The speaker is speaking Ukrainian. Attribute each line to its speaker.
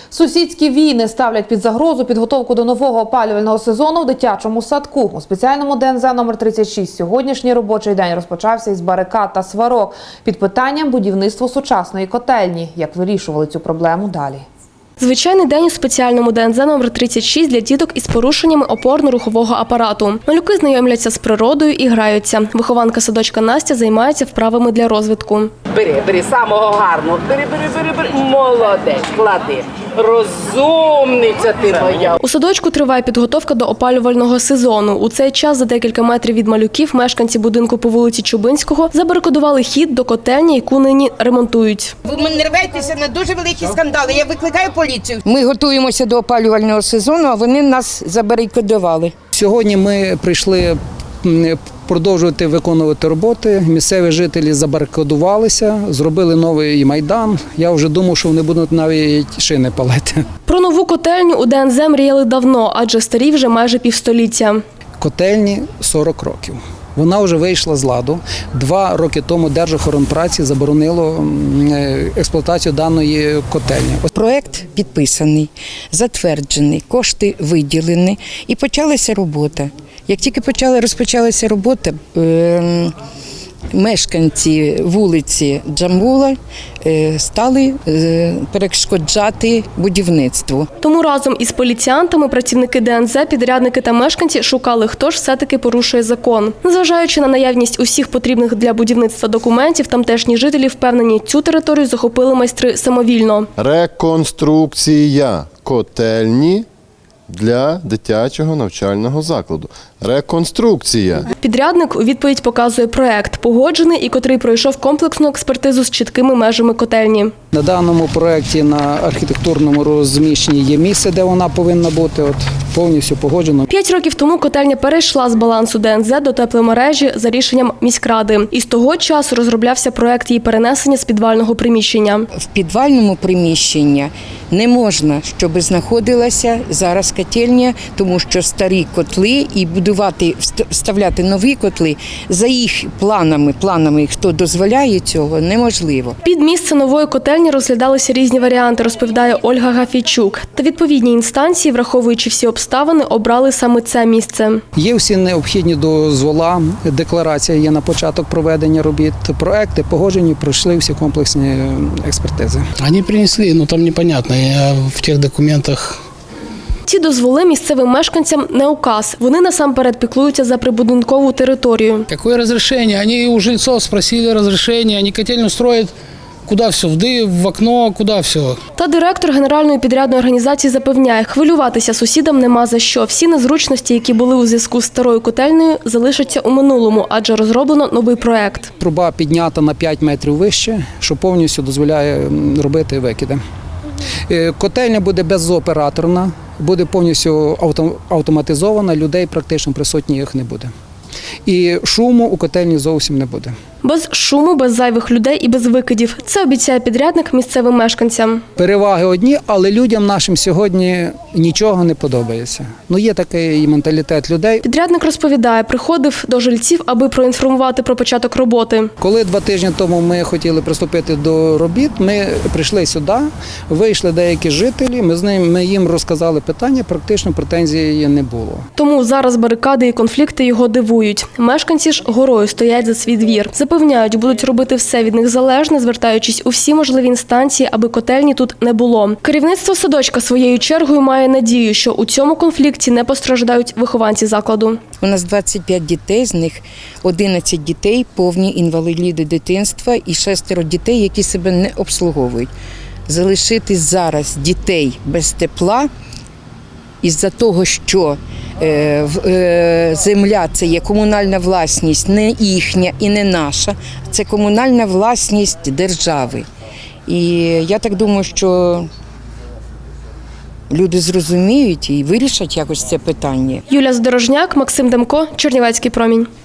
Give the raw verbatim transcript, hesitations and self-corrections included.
Speaker 1: Сусідські війни ставлять під загрозу підготовку до нового опалювального сезону в дитячому садку. У спеціальному Д Н З номер тридцять шість сьогоднішній робочий день розпочався із барикад та сварок під питанням будівництва сучасної котельні. Як вирішували цю проблему далі?
Speaker 2: Звичайний день у спеціальному Д Н З номер тридцять шість для діток із порушеннями опорно-рухового апарату. Малюки знайомляться з природою і граються. Вихованка садочка Настя займається вправами для розвитку.
Speaker 3: Бери, бери, самого гарного. Бери, бери, бери, бери. Молодець, клади. Розумниця ти моя.
Speaker 2: У садочку триває підготовка до опалювального сезону. У цей час за декілька метрів від малюків мешканці будинку по вулиці Чубинського забарикадували хід до котельні, яку нині ремонтують.
Speaker 4: Ви не рветеся на дуже великі скандали. Я викликаю поліцію. Ми готуємося до опалювального сезону, а вони нас забарикадували.
Speaker 5: Сьогодні ми прийшли продовжувати виконувати роботи. Місцеві жителі забарикадувалися, зробили новий майдан. Я вже думав, що вони будуть навіть шини палити.
Speaker 2: Про нову котельню у Д Н З мріяли давно, адже старі вже майже півстоліття.
Speaker 5: Котельні сорок років. Вона вже вийшла з ладу. Два роки тому Держохоронпраці заборонило експлуатацію даної котельні.
Speaker 4: Проект підписаний, затверджений, кошти виділені і почалася робота. Як тільки почала розпочалася робота, е мешканці вулиці Джамбула стали перешкоджати будівництву.
Speaker 2: Тому разом із поліціянтами працівники Д Н З, підрядники та мешканці шукали, хто ж все-таки порушує закон. Незважаючи на наявність усіх потрібних для будівництва документів, тамтешні жителі впевнені, цю територію захопили майстри самовільно.
Speaker 6: Реконструкція котельні для дитячого навчального закладу. Реконструкція.
Speaker 2: Підрядник у відповідь показує проект, погоджений і котрий пройшов комплексну експертизу з чіткими межами котельні.
Speaker 5: На даному проєкті на архітектурному розміщенні є місце, де вона повинна бути. От повністю погоджено.
Speaker 2: П'ять років тому котельня перейшла з балансу Д Н З до тепломережі за рішенням міськради. І з того часу розроблявся проект її перенесення з підвального приміщення.
Speaker 4: В підвальному приміщенні не можна, щоб знаходилася зараз котельня, тому що старі котли і будувати, вставляти нові котли за їх планами, планами, хто дозволяє цього, неможливо.
Speaker 2: Під місце нової котельні розглядалися різні варіанти, розповідає Ольга Гафійчук. Та відповідні інстанції, враховуючи всі обставини, обрали саме це місце.
Speaker 5: Є всі необхідні дозвола, декларація є на початок проведення робіт, проекти погоджені, пройшли всі комплексні експертизи.
Speaker 7: Вони принесли, ну там непонятно, я в тих документах.
Speaker 2: Ці дозволи місцевим мешканцям не указ. Вони насамперед піклуються за прибудинкову територію.
Speaker 7: Яке розрішення? Вони у жильців спросили розрішення, вони котельню строять. Куди все? Вди, в окно, куди все?
Speaker 2: Та директор Генеральної підрядної організації запевняє, хвилюватися сусідам нема за що. Всі незручності, які були у зв'язку з старою котельнею, залишаться у минулому, адже розроблено новий проект.
Speaker 5: Труба піднята на п'ять метрів вище, що повністю дозволяє робити викиди. Котельня буде безоператорна, буде повністю автоматизована, людей практично присутніх не буде. І шуму у котельні зовсім не буде.
Speaker 2: Без шуму, без зайвих людей і без викидів. Це обіцяє підрядник місцевим мешканцям.
Speaker 5: Переваги одні, але людям нашим сьогодні нічого не подобається. Ну, є такий менталітет людей.
Speaker 2: Підрядник розповідає, приходив до жильців, аби проінформувати про початок роботи.
Speaker 5: Коли два тижні тому ми хотіли приступити до робіт, ми прийшли сюди, вийшли деякі жителі, ми з ним, ми їм розказали питання, практично претензій не було.
Speaker 2: Тому зараз барикади і конфлікти його дивують. Мешканці ж горою стоять за свій двір. Запевняють, будуть робити все від них залежне, звертаючись у всі можливі інстанції, аби котельні тут не було. Керівництво садочка своєю чергою має надію, що у цьому конфлікті не постраждають вихованці закладу.
Speaker 4: У нас двадцять п'ять дітей, з них одинадцять дітей повні інваліди дитинства і шестеро дітей, які себе не обслуговують. Залишити зараз дітей без тепла із-за того, що земля – це є комунальна власність, не їхня і не наша, це комунальна власність держави. І я так думаю, що люди зрозуміють і вирішать якось це питання.
Speaker 2: Юлія Здорожняк, Максим Демко, Чернівецький промінь.